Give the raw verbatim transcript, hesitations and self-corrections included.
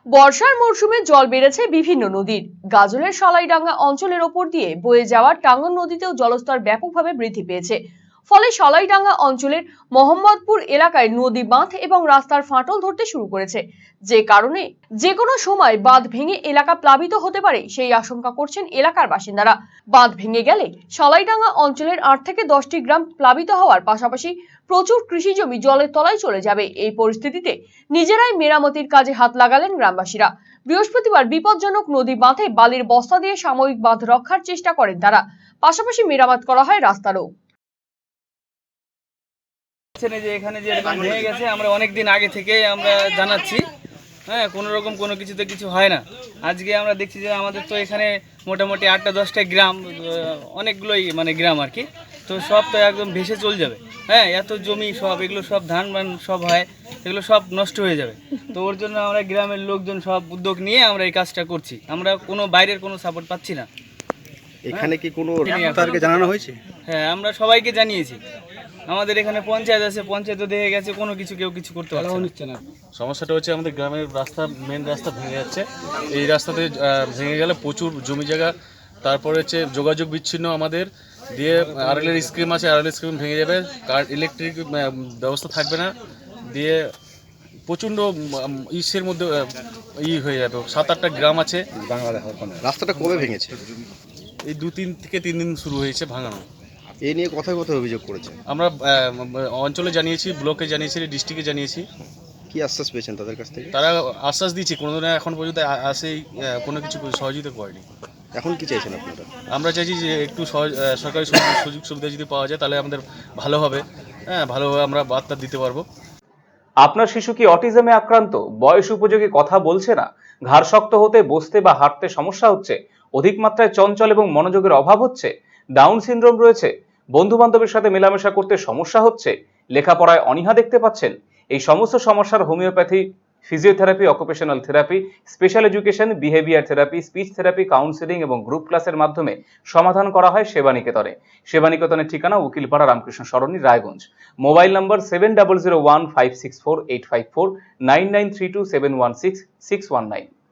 বর্ষার মরশুমে জল বেড়েছে বিভিন্ন নদীর। গাজলের সালাইডাঙ্গা অঞ্চলের ওপর দিয়ে বয়ে যাওয়া টাঙ্গন নদীতেও জলস্তর ব্যাপকভাবে বৃদ্ধি পেয়েছে। ফলে সালাইডাঙ্গা অঞ্চলের মোহাম্মদপুর এলাকায় নদী বাঁধ এবং রাস্তার ফাটল ধরতে শুরু করেছে, যে কারণে যে কোনো সময় বাঁধ ভেঙে এলাকা প্লাবিত হতে পারে সেই আশঙ্কা করছেন এলাকার বাসিন্দারা। বাঁধ ভেঙে গেলে সালাইডাঙ্গা অঞ্চলের আট থেকে দশটি গ্রাম প্লাবিত হওয়ার পাশাপাশি প্রচুর কৃষি জমি জলের তলায় চলে যাবে। এই পরিস্থিতিতে নিজেরাই মেরামতির কাজে হাত লাগালেন গ্রামবাসীরা। বৃহস্পতিবার বিপজ্জনক নদী বাঁধে বালির বস্তা দিয়ে সাময়িক বাঁধ রক্ষার চেষ্টা করেন তারা। পাশাপাশি মেরামত করা হয় রাস্তারও। যে এখানে যে এরকম ভেঙে গেছে আমরা অনেকদিন আগে থেকে আমরা জানাচ্ছি, হ্যাঁ, কোনো রকম কোনো কিছুতে কিছু হয় না। আজকে আমরা দেখছি যে আমাদের তো এখানে মোটামুটি আটটা দশটা গ্রাম, অনেকগুলোই মানে গ্রাম আর কি, তো সব তো একদম ভেসে চলে যাবে। হ্যাঁ, এত জমি সব এগুলো সব ধান মান সব হয়, এগুলো সব নষ্ট হয়ে যাবে। তো ওর জন্য আমরা গ্রামের লোকজন সব উদ্যোগ নিয়ে আমরা এই কাজটা করছি। আমরা কোনো বাইরের কোনো সাপোর্ট পাচ্ছি না। এখানে কি কোনো ডাক্তারকে জানানো হয়েছে? হ্যাঁ, আমরা সবাইকে জানিয়েছি। আমাদের এখানে পঞ্চায়েত আছে, পঞ্চায়েতও দেখে গেছে, কোনো কিছু কেউ কিছু করতে পারছে না। সমস্যাটা হচ্ছে আমাদের গ্রামের রাস্তা, মেন রাস্তা ভেঙে যাচ্ছে। এই রাস্তাতে ভেঙে গেলে প্রচুর জমি জায়গা, তারপরে হচ্ছে যোগাযোগ বিচ্ছিন্ন আমাদের দিয়ে। আরএলের স্কিম আছে, আরএল স্কিম ভেঙে যাবে, কার ইলেকট্রিক ব্যবস্থা থাকবে না, দিয়ে প্রচণ্ড ইসের মধ্যে ই হয়ে যাবে। সাত আটটা গ্রাম আছে বাংলাদেশ। রাস্তাটা কবে ভেঙেছে? এই দু তিন থেকে তিন দিন শুরু হয়েছে ভাঙানো। এই নিয়ে কথায় কথায় অভিযোগ করেছে। আমরা অঞ্চলে জানিয়েছি, ব্লকে জানিয়েছি, ডিস্ট্রিক্টে জানিয়েছি। কি আশ্বাস পেয়েছেন তাদের কাছ থেকে? তারা আশ্বাস দিচ্ছে, কোনো দিন এখন পর্যন্ত আসেই কোনো কিছু সহযোগিতা করেনি। এখন কি চাইছেন আপনারা? আমরা চাইছি যে একটু সরকারি সুযোগ সুবিধা যদি পাওয়া যায় তাহলে আমাদের ভালো হবে। হ্যাঁ, ভালোভাবে আমরা বার্তা দিতে পারবো। আপনার শিশু কি অটিজমে আক্রান্ত? বয়স উপযোগী কথা বলছে না, ঘাড় শক্ত হতে, বসতে বা হাঁটতে সমস্যা হচ্ছে, অধিক মাত্রায় চঞ্চল এবং মনোযোগের অভাব হচ্ছে, ডাউন সিনড্রোম রয়েছে, বন্ধু বান্ধবের সাথে মেলামেশা করতে সমস্যা হচ্ছে, লেখাপড়ায় অনীহা দেখতে পাচ্ছেন? এই সমস্ত সমস্যার homeopathy, physiotherapy, occupational therapy, special education, behaviour therapy, speech therapy, counselling এবং গ্রুপ ক্লাসের মাধ্যমে সমাধান করা হয় সেবানিকেতনে। সেবানিকেতনের ঠিকানা Ukilpara Ramkrishna Sarani, Raiganj. Mobile number seven double zero one five six four eight five four, nine nine three two seven one six six one nine.